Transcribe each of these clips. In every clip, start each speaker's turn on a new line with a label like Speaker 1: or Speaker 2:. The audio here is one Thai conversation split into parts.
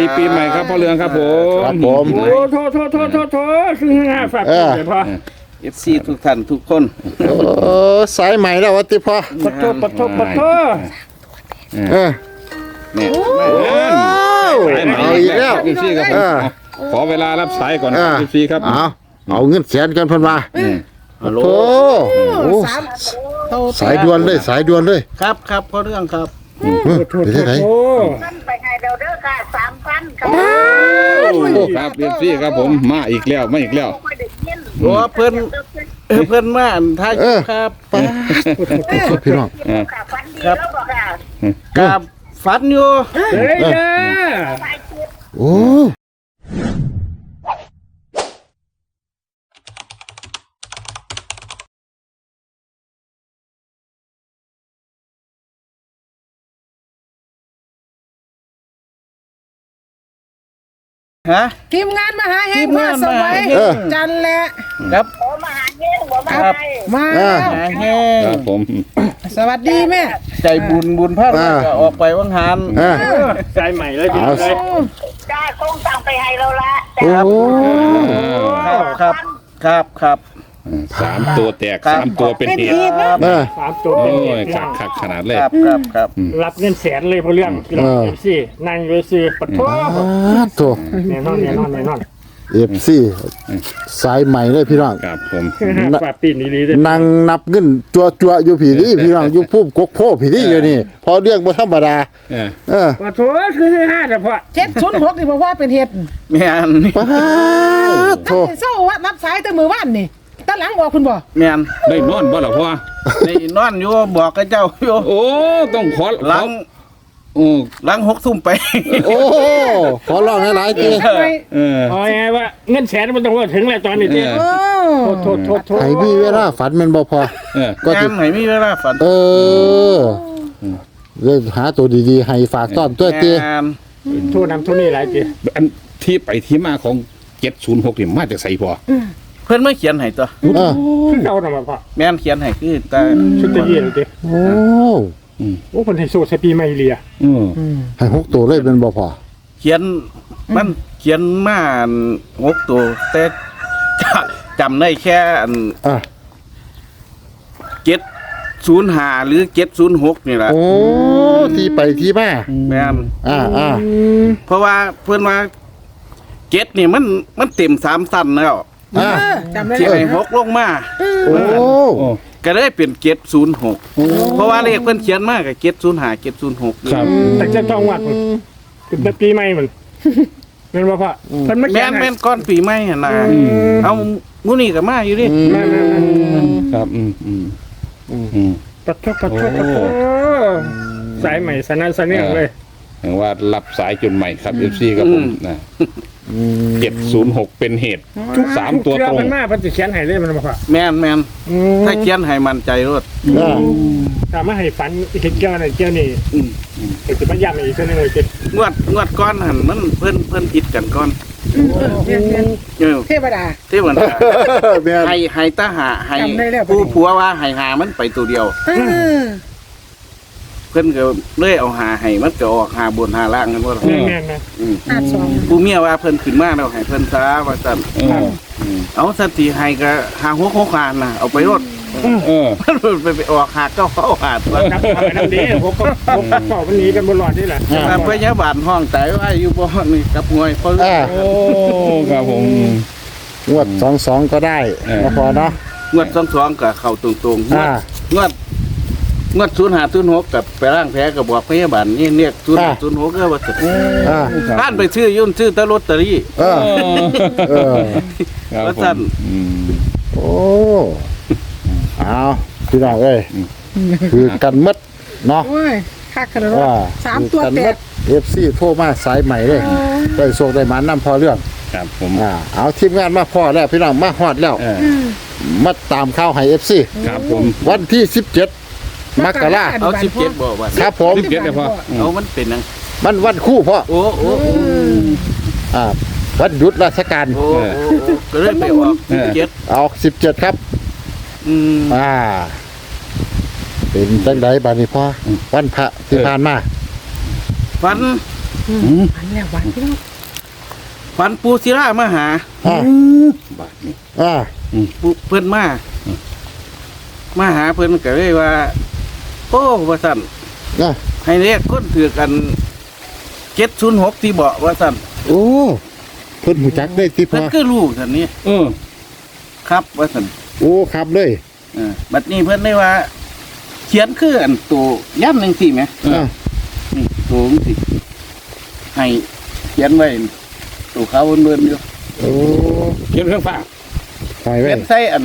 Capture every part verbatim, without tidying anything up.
Speaker 1: ดีปีใหม่ครับพ่อเรืองครับผม
Speaker 2: ครับผม
Speaker 3: โอ้โทษโทษโทษโทษโทษคือห้าฝากเลยพ่อ
Speaker 4: เอฟซีทุกท่านทุกคน
Speaker 2: โอ้สายใหม่แล้ววัติพ่อ
Speaker 3: ปะโทษปะโทษปะโทษ
Speaker 2: เออ
Speaker 4: เนี่ย
Speaker 2: ว้าวเอาอีกแล้ว
Speaker 1: พี่ซี่ครับผม
Speaker 2: เออ
Speaker 1: ขอเวลารับสายก่อน
Speaker 2: เออ
Speaker 1: พี่ซี่ครับ
Speaker 2: เอาเอาเงินแสนกันเพิ่นว่า
Speaker 4: ฮัลโหล
Speaker 2: โอ้โห
Speaker 5: สามโต
Speaker 2: สายด่วนเลยสายด่วนเลย
Speaker 4: ครับครับพ่อเรื่องครับ
Speaker 2: เออ
Speaker 3: โทษ
Speaker 2: เดี๋ยว
Speaker 3: โท
Speaker 2: ได้
Speaker 3: ษ
Speaker 2: ไหน
Speaker 3: โทษ
Speaker 5: มันไปให้เราเด้อค่ะสามพันครับ
Speaker 1: ครับพี่ซี่ครับผมมาอีกแล้วมาอีกแล้ว
Speaker 5: ไม่ได้ยิน
Speaker 4: โอ้เพิ่นเออเพิ่นมาอันท้ายครับ
Speaker 2: ป้าดพี่น้อง
Speaker 5: ค่ะฟันดีแล้วบอกค่ะ
Speaker 4: กับฝันอยู่
Speaker 3: เฮ้ยจ้า
Speaker 5: ไปคิด
Speaker 2: โอ้
Speaker 4: ฮะ
Speaker 5: ทีมงานมาหาเฮง
Speaker 4: ทีม
Speaker 5: พ่อง
Speaker 4: าน
Speaker 5: ส
Speaker 4: มาหา
Speaker 5: มัย
Speaker 4: เฮง
Speaker 5: จันแหละ
Speaker 4: ครับ
Speaker 5: โอ้มาหาเฮงหัวมา
Speaker 4: ครับ
Speaker 5: มา
Speaker 2: อ่า
Speaker 4: หาแห้ง
Speaker 1: ครับผม
Speaker 5: สวัสดีแม่
Speaker 4: ใจบุญบุญพลาดก็ออกไปวังหัน
Speaker 2: อ่า
Speaker 3: ใจใหม่เลยดีเลย
Speaker 5: จ้าคงสั่งไปให้เราละ
Speaker 2: โอ้
Speaker 4: ครับครับครับครับ
Speaker 1: สามตัวแตกสามตัวเป็นเหตุ
Speaker 4: ครับ
Speaker 2: เออ
Speaker 3: สามตัว
Speaker 1: โอ้
Speaker 3: เป็น
Speaker 1: ยขักขักขนาดเลย
Speaker 4: ครับครับครับ
Speaker 3: รับเงินแสนเลยพ่อเรื่องพี่น้องเอฟซีนั่งอยู่ซื้อปะโทษ
Speaker 2: ป้าดโถ
Speaker 3: แน่นอนแน่นอนแน่นอน
Speaker 2: เอฟซีสายใหม่เลยพี่น้อง
Speaker 1: ครับผม
Speaker 3: คือห้าฝากปีนดีๆเลย
Speaker 2: นั่งนับเงินจัวจัวๆอยู่ผีนี่พี่น้องอยู่พุ่มกกโพผีนี่อยู่นี่ พอเรื่องบ่ธรรมดา
Speaker 1: เออ
Speaker 2: เออ
Speaker 3: ปะโทษคือห้าแต่พ่อ
Speaker 5: เจ็ดศูนย์หกนี่บอกว่าเป็นเหตุ
Speaker 4: แม่น
Speaker 2: ป้าดโถ
Speaker 5: ท่านเศร้าว่านับสายแต่มือว่านนี่ตาหลังบอกคุณบอก
Speaker 4: แม่น
Speaker 1: ได้นอนบ่ล่ะพ่อ
Speaker 4: นี่นอนอยู่บอกกับเจ้าอยู่
Speaker 1: โอ้ต้องขอ
Speaker 4: หลัง
Speaker 1: โอ้
Speaker 4: หลังหกทุ่มไป
Speaker 2: โอ้ขอร้องหลายๆที
Speaker 5: ทำไม
Speaker 1: เออ
Speaker 3: เอาไงว่าเงินแสนมันต้องว่าถึงแล้วตอนนี้เจ๊
Speaker 1: เออ
Speaker 5: โอ้
Speaker 3: โทษโทษโทษโทษ
Speaker 2: ให้มีเวลาฝันแมันบ่พอ
Speaker 1: เออ
Speaker 2: ก็
Speaker 4: งา
Speaker 2: จะ
Speaker 4: นไหนมีเวลาฝัน
Speaker 2: เออเลยหาตัวดีๆ ให้ฝากต้อนตัวเตี้ย
Speaker 4: งาน
Speaker 3: โทษนำโทษนี่หลายเจ๊
Speaker 1: อันที่ไปที่มาของเจ็ดศูนย์หกนี่มาจากไสพ่อ
Speaker 4: เพิ่นไม่เขียนให้ตัว
Speaker 2: เออ
Speaker 3: คือเก่าหน่อยพ่อ
Speaker 4: แม่นเขียนให้คือแต่
Speaker 3: ชุดตะเยียนเจ๊
Speaker 2: โอ้
Speaker 3: โอ้คนไฮโซใช้ปีไม่เลีย
Speaker 1: เออ
Speaker 2: ให้หกตัวเลยเป็นบ่พอ
Speaker 4: เขียนมันเขียนมาอันหกตัวแต่จำได้แค่อัน
Speaker 2: อ่ะ
Speaker 4: เจ็ดศูนย์ห้าหรือเจ็ดศูนย์หกนี่แหละ
Speaker 2: โอ้ที่ไปที่มา
Speaker 4: แม่น
Speaker 2: อ่าอ่า
Speaker 4: เพราะว่าเพื่อนว่าเจ็ดนี่มันมันเต็มสามสั้นแล้ว
Speaker 2: อ่า
Speaker 5: เออจำได้
Speaker 4: ที่
Speaker 5: เล
Speaker 4: ไอ้
Speaker 5: ย
Speaker 4: หกลงมา
Speaker 2: โอ้
Speaker 1: โอ้
Speaker 4: ก็เลยเป็นเจ็ดศูนย์หกเพราะว่าเลขเพื่อนเขียนมากกับเจ็ดศูนย์ห้าเจ็ดศูนย์หก
Speaker 1: ครับ
Speaker 3: แต่จะต้องวัดมันคือปีไม่มันเป็นว่าพ่อมันไม่
Speaker 4: แม่
Speaker 3: แข็ง
Speaker 4: นแม่นก้อนปีใหม่หั่นนะเอามูนี่กับมาอยู่ดิ
Speaker 3: แม่แม่แม่
Speaker 1: ครับอืมอืมอืม
Speaker 3: ปัดทุบปัดทุบปัดทุบสายใหม่สนั่นสนี่เลย
Speaker 1: เห็นว่ารับสายจนใหม่ครับเอฟซีครับผมนะเจ็ดศูนย์หกเป็นเหตุสามตัวตรง
Speaker 3: มันมากมันจะเขียนให้เลยมันมาพ่อ
Speaker 4: แม่นแม่นถ้าเขียนให้มันใจรถ
Speaker 2: อ่า
Speaker 3: ถามว่าให้ฝันเห็นเกี่ยวอะไรเกี่ยวนี่เห็นจะมาย้ำอีกสักนิดเลยเจ๊
Speaker 4: งวดงวดก้อนหันมันเพิ่นเพิ่นผิดกันก้อน
Speaker 5: เรียนเรียน
Speaker 4: เออ
Speaker 5: เทวดา
Speaker 4: ที่เหมือน
Speaker 2: แม่น
Speaker 4: ให้ให้ตาหาให้
Speaker 5: จำได้แล้ว
Speaker 4: ผู้ผัวว่าให้หามันไปตัวเดียว
Speaker 5: เออ
Speaker 4: เพิ่นก็เลยเอาหาให้มันก็ออกหาบนหาล่างกันว่า
Speaker 3: แม่แม่แม่
Speaker 5: ห้าสอง
Speaker 4: ผู้เมียว่าเพิ่นขึ้นมาแล้วให้เพิ่นซาว่าซั่น
Speaker 1: เออ
Speaker 4: เอาสันติให้ก็หาหัวโคคานน่ะเอาไปรถ
Speaker 1: เออ
Speaker 4: มันไปไปออกหาเก้าเข้าหาตัว
Speaker 3: นับไปน้ำดีผมก็ผมก็เป่ามันหนีกันบนหลอดนี่แหละ
Speaker 4: แต่พยาบาลห้องแต่ว่าอยู่บ่นี่กับงวยเพราะ
Speaker 2: อ่า
Speaker 1: โอ้ครับผม
Speaker 2: งวดสองสองก็ได้
Speaker 1: เออ
Speaker 2: บ่พอเนาะ
Speaker 4: งวดสองๆก็เข้าตรงๆงว
Speaker 2: อ่า
Speaker 4: ดงวดงวดศูนย์ห้าศูนย์หกกับไปร่างแพ้ก็บอกพยาบาลนี่เนี่ยศูนย์ห้าศูนย์หกก็ว่าจะ
Speaker 2: อ่า
Speaker 4: ท่านไปซื้อยุ่นซื้อแตลอตเตอรี่
Speaker 2: เออเออ
Speaker 1: ครับ
Speaker 4: ว่า
Speaker 1: ผ
Speaker 4: ซั่น
Speaker 1: มอืม
Speaker 2: โอ้เอาพี่น้องเอ้ยคือกันหมดเนาะ
Speaker 5: โอ้ยคักขนาด
Speaker 2: ว่า
Speaker 5: สามตัว
Speaker 2: กัน
Speaker 5: แต
Speaker 2: หม
Speaker 5: ก
Speaker 2: ด เอฟ ซี โทรมาสายใหม่เลยได้โชคได้หมานำพอเรื่อง
Speaker 1: ครับผม
Speaker 2: อ่าเอาทีมงานมาพอแล้วพี่น้องมาฮอดแล้ว
Speaker 1: เออ
Speaker 2: มาตามข่าวให้ เอฟ ซี
Speaker 1: ครับผม
Speaker 2: วันที่สิบเจ็ดมกรา
Speaker 4: เอาสิบเจ็ดบอกว่า
Speaker 2: ครับผม
Speaker 1: สิบเจ็ดเลยพ่ออืม
Speaker 4: เอามันเป็นนัง
Speaker 2: มันวันคู่พ่อ
Speaker 4: โอ้โอ้โอ้
Speaker 2: อ่าวันหยุดราชการ
Speaker 4: โอ้โอ้ก็เลยไปออกสิบเจ็ด
Speaker 2: เอาสิบเจ็ดครับ
Speaker 4: อืม
Speaker 2: อ่า เป็นจังไดบาดนี้พ่อวันพระที่ผ่านมา
Speaker 4: ฝัน
Speaker 5: อื
Speaker 1: อื
Speaker 5: ม
Speaker 1: ม
Speaker 5: อันแล้ววันพี่น้อง
Speaker 4: ฝันปูศิลามาหา
Speaker 2: อ่า
Speaker 1: บาทนี่
Speaker 2: อ่า
Speaker 4: ปูเพิ่นมามาหาเพิ่นก็เลยว่าโอ้ว่าสั่น
Speaker 2: อ่า
Speaker 4: ให้เรียกคนถือกันเจ็ดศูนย์หกที่เบาะว่าสั่น
Speaker 2: โอ้เพิ่นหูจักได้ที่พ
Speaker 4: เพิ่น
Speaker 2: อ
Speaker 4: คือลูกสั่นนี้
Speaker 1: เออ
Speaker 4: ครับว่าสั่น
Speaker 2: โอ้ครับเลย
Speaker 4: เออบัดนี้เพิ่นได้ว่า เขียนคืออันตัวย่ำหนึ่งสี่ไหม
Speaker 2: อ่า
Speaker 4: นี่ตัวจังสิให้เขียนไว้ตัวเขาเบิ่นๆอยู่
Speaker 2: โอ้
Speaker 1: เขียนเครื่องฟ้า
Speaker 2: ไปไว้
Speaker 4: เขียนใส่อัน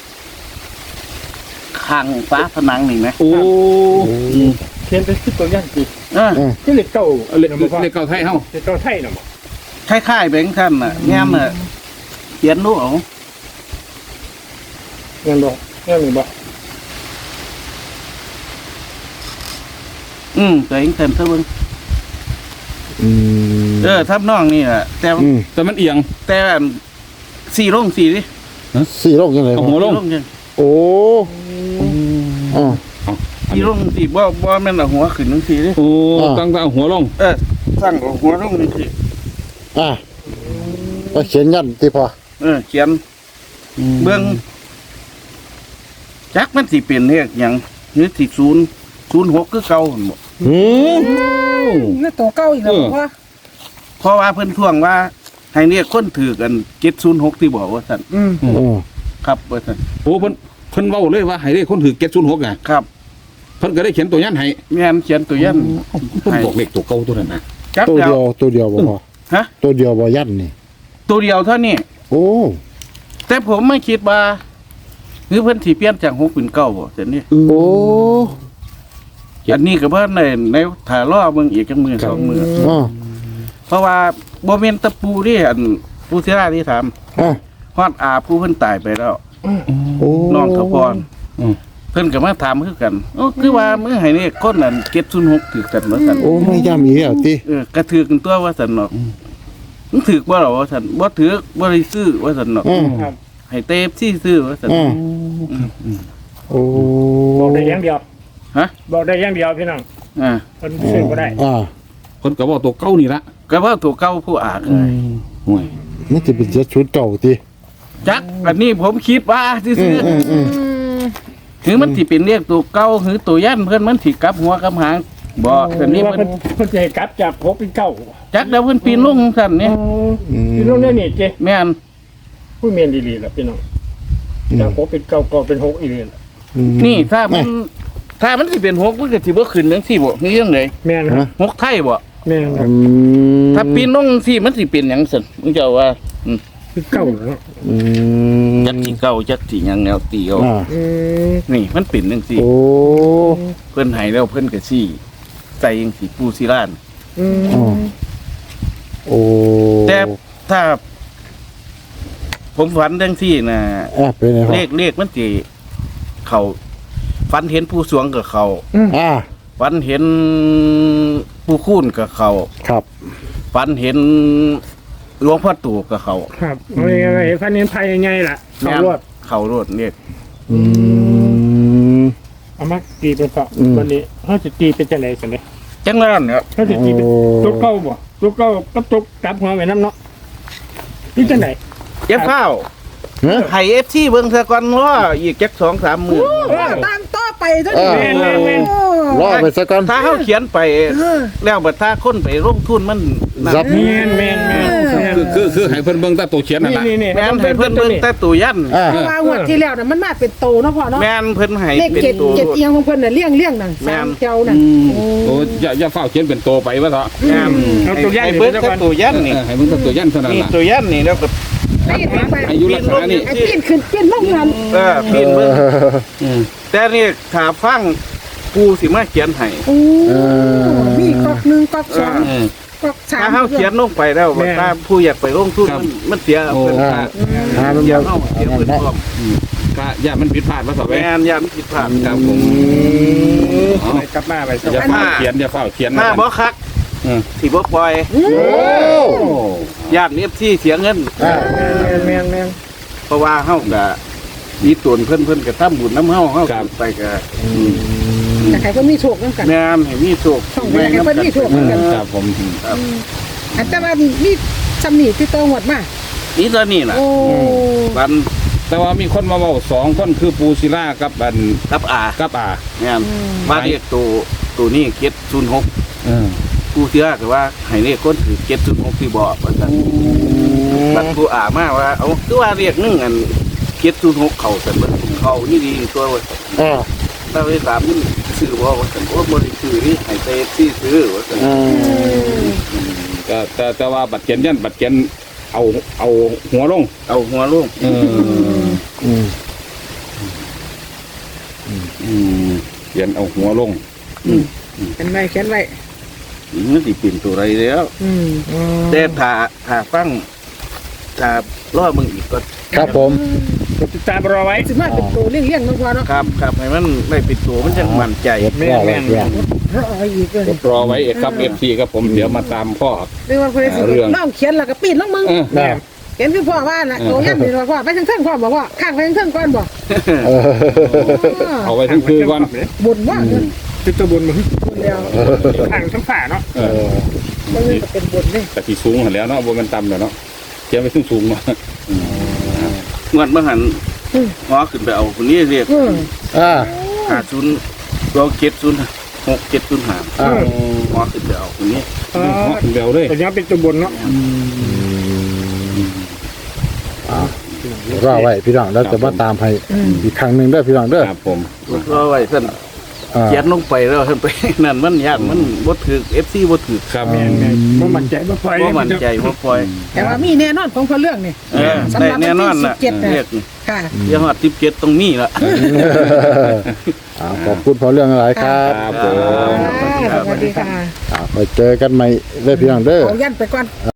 Speaker 4: ข้างฟ้าผนังนี่ไหม
Speaker 1: โอ้
Speaker 2: อืม
Speaker 3: เขียนเป็นสิบตัวอย่างสิ
Speaker 4: เออ
Speaker 2: อ่า
Speaker 3: ที่เหล็กเก่า
Speaker 1: เล็กเล็กเก่าไทยเฮา
Speaker 3: เหล็กเก่าไทยน่ะบ่
Speaker 4: คล้ายๆแบงค์ท่านน่ะงามน่ะเขียนรู้เอา
Speaker 3: เงินบ่เงินหรือบ่
Speaker 4: อืมตัวเองเต็มเท่าเบิ่ง
Speaker 2: อืม
Speaker 4: เออทับน้องนี่แหละแต่
Speaker 2: อืม
Speaker 1: แต่มันเอียง
Speaker 4: แต่อันสี่ลงสี่ดิ
Speaker 2: สี่โรคยังไง
Speaker 1: เอา
Speaker 2: พ
Speaker 1: หั
Speaker 2: อ
Speaker 1: วลง
Speaker 4: สี่ยัง
Speaker 2: โอ้อ่า
Speaker 4: สี่ลงสี่บ่บ่แม่นเอาหัวขึ้นจังสี่ดิ
Speaker 1: โอ้
Speaker 2: อ่า
Speaker 1: ตั้งแต่เอาหัวลง
Speaker 4: เออสั่งเอาหัวลงจังสี่
Speaker 2: อ่าก็เขียนยันที่พอ
Speaker 4: เออเขียนเบิ่งจักมันสิเป็นเฮ็ดหยังหรือสิศูนย์ศูนย์หกคือเก่าหั่นบ่
Speaker 2: อืม
Speaker 5: นี่ตัวเก่าอีกแล้วบอกว่า
Speaker 4: เพราะว่าเพิ่นท่วงว่าให้เรียกคนถือกันเจ็ดศูนย์หกที่บอกว่าซั่น
Speaker 5: อืม
Speaker 2: โอ้
Speaker 4: ครับว่าซั่น
Speaker 1: โอ้เพิ่นเพิ่นเว้าเลยว่าให้เลขคนถือเจ็ดศูนย์หกไง
Speaker 4: ครับ
Speaker 1: เพิ่นก็ได้เขียนตัวยันให้
Speaker 4: แม่นเขียนตัวยัน
Speaker 1: เพิ่นบอกเลขตัวเก่าตัวนั้นนะ
Speaker 4: จัก
Speaker 2: ตัว
Speaker 4: เดีย
Speaker 2: เดียว วตัวเดียวบ่พอ
Speaker 4: ฮะ
Speaker 2: ตัวเดียวบ่ยันนี่
Speaker 4: ตัวเดียวเท่านี้
Speaker 2: โอ้
Speaker 4: แต่ผมไม่คิดว่าหรือเพิ่นสิเปลี่ยนจากหกเป็นเก้าบ่ซั่นนี่
Speaker 2: โอ้
Speaker 4: อันนี้ก็เพิ่นในในถ่ารอเบิ่งอีกจังมือสองมือ
Speaker 2: อ่า
Speaker 4: เพราะว่าบ่แม่นแตะปูที่อันผู้ศิลาที่ถาม
Speaker 2: อ่า
Speaker 4: ฮอดอาผู้เพิ่นตายไปแล้ว
Speaker 2: โอ้
Speaker 4: น้องทพร
Speaker 1: อืม
Speaker 4: เพิ่นก็มาถามคือกันโอ้คือว่ามื้อให้นี่คนนั้นเจ็ดศูนย์หกถือกันว่าซั่น
Speaker 2: โอ้ไม่ย่ำอีกแล้วติ
Speaker 4: เออกระถือกันตัวว่าซั่นเนาะมึงถือบ่ล่ะว่าซั่นบ่ถือบ่ได้ซื้อว่าซั่นเนาะ
Speaker 2: อ่า
Speaker 3: ครับ
Speaker 4: ให้เตฟซี่ซื้อว่าซั่น
Speaker 2: อ่าโอ้
Speaker 3: บอกได้อย่างเดียว
Speaker 4: ฮะ
Speaker 3: บอกได้อย่างเดียวพี่น้อง
Speaker 4: อ่า
Speaker 3: คนซื้อบ่ได้
Speaker 2: อ่า
Speaker 1: เพิ่นก็บอกตัวเก่านี่ละ
Speaker 4: ก็ว่าตัวเก่าผู้อากเลย
Speaker 1: ห่วย
Speaker 2: มันจะเป็นเจ็ดชุดเก่าติ
Speaker 4: จักอันนี้ผมคิดว่าซื่อ
Speaker 2: อืมอืม
Speaker 5: อืม
Speaker 4: ๆถึงมันสิเป็นเรียกตัวเก่าหรือตัวยันเพิ่นมันสิกลับหัวกลับหางบ่แต่นี้
Speaker 3: ว่า
Speaker 4: เพิ่น
Speaker 3: เพิ่นเพิ่นจะให้กลับจากหกเป็นเก้า
Speaker 4: จักแล้วเพิ่นปีนลงซั่นนี่
Speaker 2: อืม
Speaker 3: พี่น้องเนี่ยนี่เจ้
Speaker 4: แม่น
Speaker 3: ผู้เมียนดีๆล่ะพี่น้องจากหกเป็นเก้าก็เป็นหกอีกเลยล่ะ
Speaker 2: อืม
Speaker 4: นี่ถ้ามัน ถ้ามันสิเป็นหกมันก็สิบ่ขึ้นจังซี่บ่คือจังได๋
Speaker 3: แม่นครับ
Speaker 4: หกไทยบ่
Speaker 3: แม่นครั
Speaker 2: อื
Speaker 3: บ
Speaker 2: ม
Speaker 4: ถ้าปีนลงจังซี่มันสิเป็นหยังซั่นมึงเจ้าว่าอืม
Speaker 3: คือเก้าเนาะ
Speaker 2: อืม
Speaker 4: จักสิเก่าจักสิหยังแนวตีเอา
Speaker 2: อ่า
Speaker 3: อืม
Speaker 4: นี่มันเป็นจังซี่
Speaker 2: โอ้
Speaker 4: เพิ่นให้แล้วเพิ่นก็ซี่ใส่จังซี่ปูศิลาน
Speaker 3: อืม
Speaker 2: อ่าโอ้
Speaker 4: แต่ถ้า ผมฝันจังซี่น่ะ
Speaker 2: อ่าเป็นไงค
Speaker 4: เล
Speaker 2: รับ
Speaker 4: ขเลขมันสิเขาฝันเห็นผู้สวงกับเขา
Speaker 2: อ่า
Speaker 4: ฝันเห็นผู้คูนกับเขา
Speaker 2: ครับ
Speaker 4: ฝันเห็นหลวงพ่อตู่กับเขา
Speaker 3: ครับเอายังไงฟันเน้นไพ่ยังไงล่ะเขารวด
Speaker 4: เขารวดเนี่ย
Speaker 2: อืม
Speaker 3: เอามาตีเป็นต่ออ
Speaker 2: ม
Speaker 3: วันนี้เขาจะตีเป็นจังไดสันเลย
Speaker 4: จังนั้นเนี่ย
Speaker 3: เขาจะตีเป็นตุกเก้าบ่ตุกเก้ากับตุกกลับหัวไว้น้ำเนาะนี่จังได
Speaker 4: เย็บข้าว
Speaker 2: ฮะ
Speaker 4: ไห้เอฟซีเบิ่งซะก่อนว่าอีกจักสองสามมือ
Speaker 5: ตามต่อไปเท่า
Speaker 2: เอ
Speaker 5: นี้
Speaker 2: อ
Speaker 3: แม่นแม่นแม่น
Speaker 5: โอ้
Speaker 2: รอไปสักก่อน
Speaker 4: ถ้าเขาเขียนไป
Speaker 5: เออ
Speaker 4: แล้วบัดถ้าคนไปลงทุนมันนั่น
Speaker 2: ครับ
Speaker 3: แม่นแม่นแม่นแม่น
Speaker 1: คือคือคือให้เพิ่นเบิ่งแต่ตัวเขียนนั่น
Speaker 3: นี่
Speaker 1: ล่ะ
Speaker 3: นี่นี่
Speaker 4: แม่นให้เพิ่นเบิ่งแต่ตัวยัน
Speaker 2: อ่า
Speaker 5: เพราะว่างวดที่แล้วน่ะมันมาเป็นโตเนาะพ่อเนาะ
Speaker 4: แม่นเพิ่นให้
Speaker 5: เลข
Speaker 4: เป็น
Speaker 5: เจ็ด
Speaker 4: ตัว
Speaker 5: เจ็ดเอียงของเพิ่นน่ะเลี่ยงเลี่ยงนั่น
Speaker 4: แม่
Speaker 5: สาม
Speaker 4: น
Speaker 5: เจ้านั่น
Speaker 1: โอ้อย่าอย่าเฝ้าเขียนเป็นตัวไปว่าเถอะ
Speaker 4: แม่น
Speaker 3: เอาตัวยัน
Speaker 4: ให้
Speaker 3: นี่
Speaker 4: เบิ่ง
Speaker 3: ซะ
Speaker 4: แต่
Speaker 3: ก่อน
Speaker 4: ตัวยัน
Speaker 1: เอ
Speaker 4: นี่
Speaker 1: อให้เบิ่งแต่ตัวยันเท่านั้น
Speaker 4: นี่
Speaker 1: ล่ะ
Speaker 4: ตัวยันนี่แล้วก็
Speaker 5: ปีนไป
Speaker 1: อายุลักษณะนี้
Speaker 5: ไอ้ปีนขึ้นปีนลงนั่น
Speaker 4: เออปีนเบิ่ง
Speaker 1: อืม
Speaker 4: แต่นี่ถ้าฟังกูสิมาเขียนให้
Speaker 5: โอ้มีก๊อกหนึ่งก๊อกสอง
Speaker 1: เออ
Speaker 5: ก๊อกสาม
Speaker 4: ถ้าเขาเขียนลงไปแล้วว่าถ้าผู้อยากไปลงทุน
Speaker 1: ครับ
Speaker 4: มันมันเสีย
Speaker 1: โอ้
Speaker 4: เพิ่น
Speaker 2: อ่า
Speaker 4: ค่า
Speaker 2: อ่ามัน
Speaker 4: เสีย
Speaker 2: บ่
Speaker 4: เฮาเสียเพิ่นพร้อม
Speaker 1: ก็อย่ามันผิดพลาดว่าเถอะ
Speaker 4: แม่
Speaker 1: แม่
Speaker 4: นยามผิดพลาด
Speaker 1: ครับผมเอา
Speaker 3: ไปกลับมาไปซะ
Speaker 1: อย่า
Speaker 3: ก่อน
Speaker 1: เฝ้าเขียนอย่าเฝ้าเขียน
Speaker 4: ถ้าบ่คัก
Speaker 1: เออ
Speaker 4: สิบ่ปล่อย
Speaker 2: โอ้
Speaker 1: โอ้
Speaker 4: ญาติ เอฟ ซี เสียเงิน
Speaker 2: อ่า
Speaker 3: แม่นแม่นแม่น
Speaker 4: เพราะว่าเฮาก็มีตนเพิ่นเพิ่นก็ทำบุญนำเฮาเฮาไปก็
Speaker 5: แต่ใครก็มีโชคนํกัน
Speaker 4: แม่นให้มีโชค
Speaker 5: ช่องไหนให้เพิ่นมีโชค
Speaker 2: อืม
Speaker 1: ครับผม
Speaker 5: อันแต่ว่ามีซำนี่ที่โตหมดมา
Speaker 4: นี่ตอนนี้น่ะ
Speaker 5: โอ้
Speaker 4: วัน
Speaker 1: แต่ว่ามีคนมาบอกสองคนคือปูศิลากับอัน
Speaker 4: กับอา
Speaker 1: กับอา
Speaker 4: แม่นว่าเรียกตัวตัวนี้เจ็ดศูนย์หก
Speaker 1: เออ
Speaker 4: ผู้เชื่อก็ว่าให้เรียกคนถือเจ็ดศูนย์หกที่บอกว่าซั่นบัดผู้อามาว่าเอาคือว่าเรียกนึงอันเจ็ดศูนย์หกเข้าซั่นเบิดเข้านี่ดีตัวว่าซั่น
Speaker 2: อ่า
Speaker 4: ถ้าไปถามมันซื้อบ่ว่าซั่นโอ้บ่ได้ซื้อนี่ให้แต่ที่ซื้อว่าซั่น
Speaker 2: อืม
Speaker 1: ก็แต่แต่ว่าบัตรเขียนยันบัตรเขียนเอาเอาหัวลง
Speaker 4: เอาหัวลง
Speaker 1: เออ
Speaker 2: อืม
Speaker 1: อืมเขียนเอาหัวลง
Speaker 5: เขียนไว้เขียนไว้
Speaker 4: มันสิเป็นตัวไรแล้ว
Speaker 5: อืม
Speaker 4: แต่ถ้าถ้าฟังถ้ารอมึงอีกก็
Speaker 2: ครับผม
Speaker 3: กดติดตามรอไว้
Speaker 5: สิมาเป็นตัวเลี้ยงๆเนาะพ่อเนาะ
Speaker 4: ครับครับให้มันได้เป็นตัวมันจังมั่นใจ
Speaker 2: เก็บรอไว้เพื่อน
Speaker 5: รออีกเลย
Speaker 1: กดรอไว้เอกครับเอฟซีครับผมเดี๋ยวมาตามพ่อ
Speaker 5: เรื่องว่าเพิ่นสิ
Speaker 1: เรื่อง
Speaker 5: น้องเขียนแล้วก็ปีนลงมึง
Speaker 1: เออ
Speaker 2: แม่
Speaker 5: เขียนคือพ่อว่าน่ะโตย่ำนี่พ่อไปทางเทิงพ่อบอกว่าข้างไปทางเทิงก่อนบ่
Speaker 2: เออ
Speaker 1: เอาไว้ทั้งคืนก่อน
Speaker 5: บ่นว่าเงิน
Speaker 3: ติดตัวบนมึง
Speaker 5: บ่นแล้ว
Speaker 3: ทางทั้งฝ่าเนาะ
Speaker 1: เออ
Speaker 5: บ่เงินก็เป็นบ่นเด้
Speaker 1: แต่ที่สูงหันแล้วเนาะบนมันต่ำแล้วเนาะเขียนไว้สูงสูงๆเนาะ
Speaker 4: งวดเมื่อหันหอขึ้นไปเอาคนนี้เรียก
Speaker 5: เออ
Speaker 2: อ่า
Speaker 4: หาศูนย์ตัวเจ็ดศูนย์หกเจ็ดศูนย์หา
Speaker 2: อ่า
Speaker 4: หอขึ้นไปเอาคนนี้
Speaker 3: อ๋อ
Speaker 1: เร็วเลย
Speaker 3: แต่ยังเป็นตัวบนเนาะ
Speaker 2: อ่ารอไว้พี่น้องแล้วจะมาตามให้อีกครั้งหนึ่งเด้อพี่น้องเด้อ
Speaker 1: ครับผม
Speaker 4: รอไว้ท่าน
Speaker 2: อ่า
Speaker 4: เขียนลงไปแล้วท่านไป นั่นมันยากมันบ่ถือ เอฟ ซี บ่ถือ
Speaker 1: ครับ
Speaker 3: แม่นแม่นบ่มั่นใจบ่ปล่อย
Speaker 4: บ่มั่นใจบ่ปล่อย
Speaker 5: แต่ว่ามีแน่นอนของพ่อเรื่องนี่
Speaker 4: เออ
Speaker 5: สำห
Speaker 4: ได้
Speaker 5: รับ
Speaker 4: แน่นอน
Speaker 5: วันที่
Speaker 4: น่ะ
Speaker 5: สิบเจ็ดน่ะ
Speaker 4: เรียกนี่
Speaker 5: ค่ะ
Speaker 4: เดี๋ยวฮอดสิบเจ็ดตรงนี้ล่ะ
Speaker 2: อ่าขอบคุณพอเรื่องอะไรครับ
Speaker 1: ครับผม
Speaker 5: สวัสดีค่ะ
Speaker 2: อ่าไปเจอกันใหม่เด้อพี่น้องเด้อ
Speaker 5: เอายันไปก่อน